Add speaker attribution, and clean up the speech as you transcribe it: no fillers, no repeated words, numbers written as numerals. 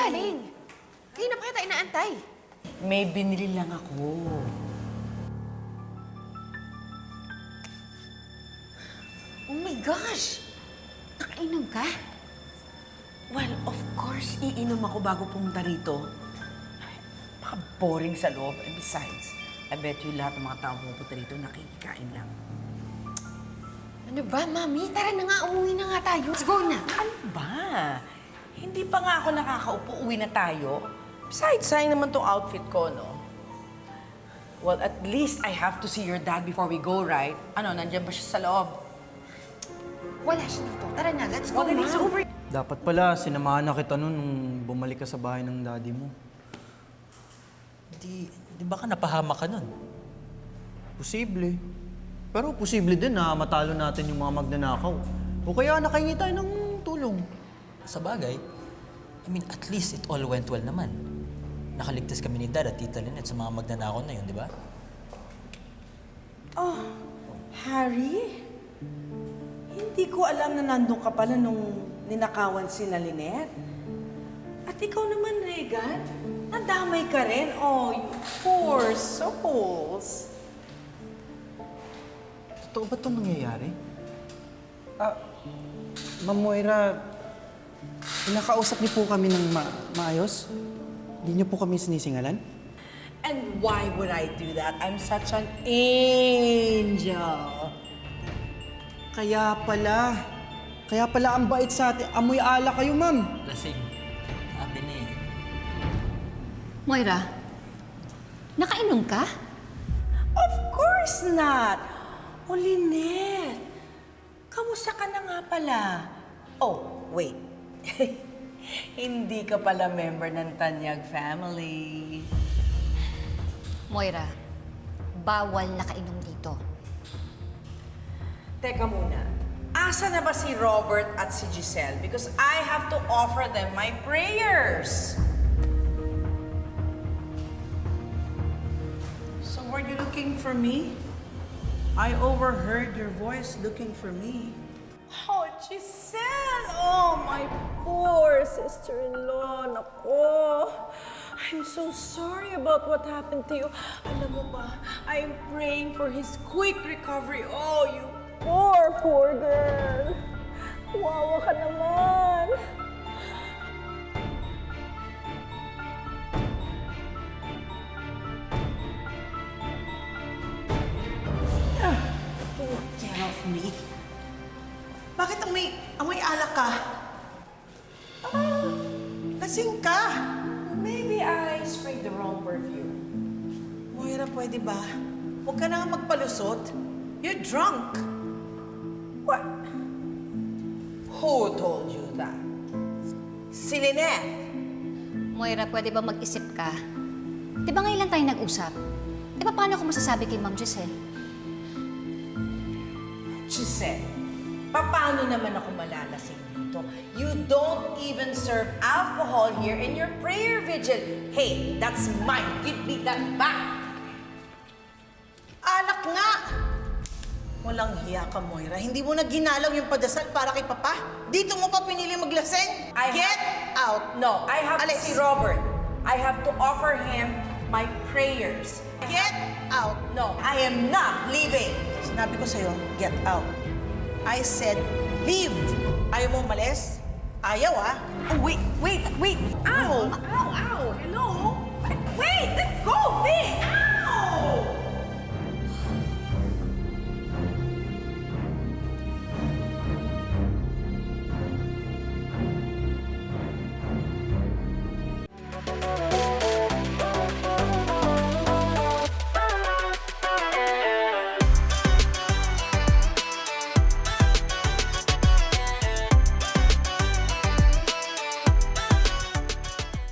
Speaker 1: galing? Kayo na pa kita inaantay.
Speaker 2: May binili lang ako.
Speaker 1: Oh my gosh! Nakainom ka?
Speaker 2: Well, of course, iinom ako bago pumunta rito. Baka boring sa loob. And besides, I bet you lahat ng mga tao pupunta rito nakikikain lang.
Speaker 1: Ano ba, Mami? Tara na nga, umuwi na nga tayo. Let's go na.
Speaker 2: Ano ba? Hindi pa nga ako nakakaupo, uwi na tayo. Besides, sayang naman tong outfit ko, no? Well, at least I have to see your dad before we go, right? Ano, nandiyan ba siya sa loob?
Speaker 1: Wala siya dito. Tara na, let's go
Speaker 2: Well, then
Speaker 1: na.
Speaker 2: he's over.
Speaker 3: Dapat pala, sinamahan na kita nun nung bumalik ka sa bahay ng daddy mo.
Speaker 4: Di ba ka napahama ka nun?
Speaker 3: Posible. Pero posible din na matalo natin yung mga magnanakaw. O kaya nakahingi tayo ng tulong.
Speaker 4: Sa bagay, I mean, at least it all went well naman. Nakaligtas kami ni Dad at Tita Lynette sa mga magnanakaw na yun, di ba?
Speaker 2: Oh, Harry? Hindi ko alam na nandun ka pala nung ninakawan si Lynette. At ikaw naman, Regan, nadamay ka rin. Oh, you poor souls.
Speaker 3: Totoo ba itong nangyayari? Ma'am Moira, pinakausap niyo po kami ng maayos? Hindi niyo po kami sinisingalan?
Speaker 2: And why would I do that? I'm such an angel.
Speaker 3: Kaya pala ang bait sa atin. Amoy ala kayo, ma'am.
Speaker 4: Lasing. Sabi na eh.
Speaker 1: Moira, nakainom ka?
Speaker 2: Of course not. O, Lynette, kamusta ka na nga pala? Oh, wait. Hindi ka pala member ng Tanyag family.
Speaker 1: Moira, bawal nakainom dito.
Speaker 2: Teka muna. Asa na ba si Robert at si Giselle? Because I have to offer them my prayers. So were you looking for me? I overheard your voice looking for me. Oh, Giselle! Oh, my poor sister-in-law. Nako. I'm so sorry about what happened to you. Alam mo ba, I'm praying for his quick recovery. Oh, you poor girl. Wawa ka naman.
Speaker 5: Get off me. Bakit amoy alak ka? Lasing ka.
Speaker 2: Maybe I sprayed the wrong perfume.
Speaker 5: Moira, pwede ba? Huwag ka na nga magpalusot. You're drunk.
Speaker 2: What? Who told you that? Si Lynette.
Speaker 1: Moira, pwede ba mag-isip ka? Di ba ngayon lang tayo nag-usap? E paano ko masasabi kay Ma'am Giselle?
Speaker 2: Giselle, paano naman ako malalasing dito? You don't even serve alcohol here in your prayer vigil. Hey, that's mine. Give me that back.
Speaker 5: Alak nga. Walang hiya ka, Moira. Hindi mo na ginalaw yung padasal para kay Papa. Dito mo pa pinili maglaseng. Get out.
Speaker 2: No, I have
Speaker 5: Alis.
Speaker 2: to see Robert. I have to offer him my prayers.
Speaker 5: Get out.
Speaker 2: No, I am not leaving.
Speaker 5: Sinabi ko sa'yo, get out. I said, leave. Ayaw mo umalis? Ayaw, ah.
Speaker 2: Oh, wait. Ow! Ow! Hello? Wait! Let go! Vic!